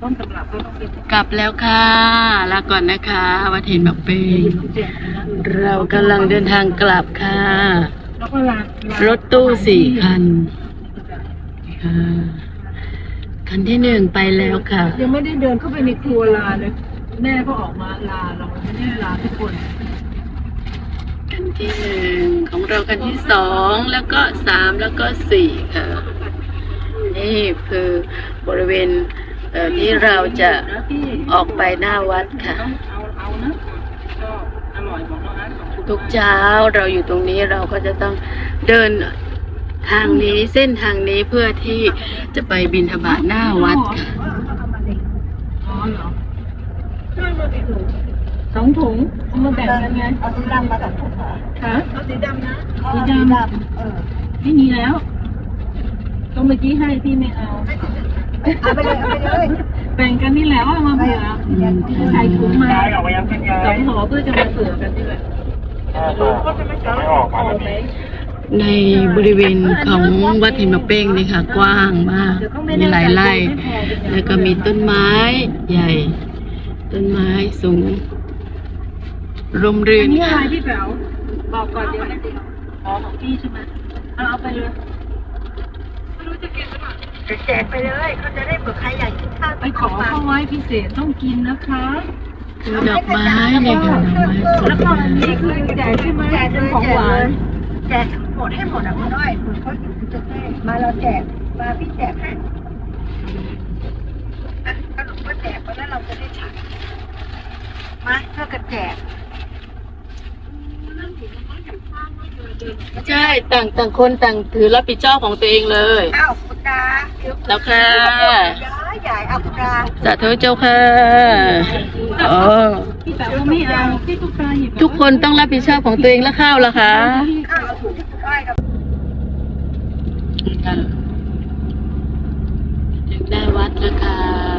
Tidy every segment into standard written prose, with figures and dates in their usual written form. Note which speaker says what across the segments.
Speaker 1: ต้นตำรับก็ต้องเป็น
Speaker 2: กลับแล้วค่ะลาก่อนนะคะวัดเห็นบักเปงเรากำลังเดินทางกลับค่ะ
Speaker 1: แล้วก็
Speaker 2: รถตู้4 คันค่ะคันที่1ไปแล้วค่ะ
Speaker 1: ยังไม่ได้เดินเข้าไปในครัวลาเลยแม่ก็ออกมาลาเราไม่ได้ลาทุกคน
Speaker 2: คันที่1ของเราคันที่2แล้วก็3แล้วก็4ค่ะนี่คือบริเวณที่เราจะออกไปหน้าวัดค่ะ
Speaker 1: เอานะก็อร่อยบอกน้องอาร์ต
Speaker 2: ทุกเช้าเราอยู่ตรงนี้เราก็จะต้องเดินทางนี้เส้นทางนี้เพื่อที่จะไปบิณฑบาตหน้าวัดค่ะ
Speaker 1: อ๋อเหรอได้มากี่ถุง2 ถุงเอามาแบ่งกันไง
Speaker 3: เอาสีดำมากับถุงเหรอ
Speaker 1: ค่ะเอาสีดำนะ
Speaker 3: สีดำ
Speaker 1: ไม่มีแล้วก็เมื่อกี้ให้พี่ไม่เอา
Speaker 3: เอาไปเลยเอาไปเลย
Speaker 1: แบ่งกันนี่แหละว่ามาเผื่อใส่ถุงมา2 ห่อเพื่อจะมาเผื่อกันนี่แหละไม่ออกมา
Speaker 2: ในบริเวณของวัดหินมะเป้งนี่ค่ะกว้างมากมีหลายไร่แล้วก็มีต้นไม้ใหญ่ต้นไม้สูงร่มรื่น
Speaker 1: นี่อะไรพี่แป๋วบอกก่อนเดี๋ยวให้ของพี่ใช่ไหมเอาไปเลยไม่รู้จะกินหรือเปล่า
Speaker 3: แจกไปเลยเขาจะได้เผื่อใครอยากกินข้าว
Speaker 1: ไปขอเข้าไว้พิเศษต้องกินนะคะ
Speaker 2: ดอกไม้เนี่ยค่ะดอกไม้สด
Speaker 1: แล้วก็อันนี้คือแจกใช่ไหม
Speaker 3: แจก
Speaker 1: เป็นของหวาน
Speaker 3: แจกหมดให้หมดอ่ะคุณน้อยคุณเขาอยู่จะให้มาเราแจกมาพี่แจกให้ขนมก็แจกไปแล้วเราจะได้ฉันมาเพื่อกันแจก
Speaker 2: ใช่ต่างคนต่างถือรับผิดชอบของตัวเองเลย
Speaker 3: อ้าวคุณดา
Speaker 2: แล้วค่ะ
Speaker 3: ใหญ่เอาคุณดา
Speaker 2: สาธุเจ้าค่ะอ๋อ
Speaker 1: พี่แต่ว่าไม่เอาพี่
Speaker 2: ทุกคนต้องรับผิดชอบของตัวเองแล้วข้าวล่ะคะ
Speaker 3: ข้าวถูกที่คุณอ้อยกับ
Speaker 2: ถึงได้วัดแล้วค่ะ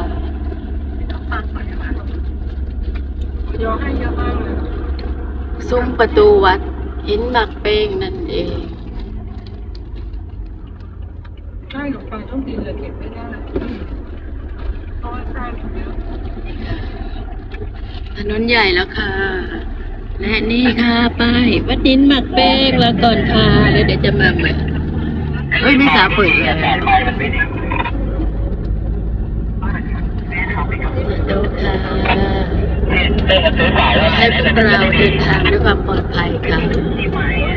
Speaker 1: เดี๋ยวให้เยอะมากเลย
Speaker 2: ซุ้มประตูวัดหินหมักเป้งนั่นเอง
Speaker 1: ใช่ขนมปังต้องกินเลยเก็บไม่ได้เพราะว่าแซ่บเยอะ
Speaker 2: ถนนใหญ่แล้วค่ะและนี่ค่ะป้ายวัดหินหมักเป้งแล้วก่อนค่ะแล้วเดี๋ยวจะมาใหม่เฮ้ยไม่สาเปิดเลยดูค่ะให้พวกเราเดินทางด้วยความปลอดภัยค่ะ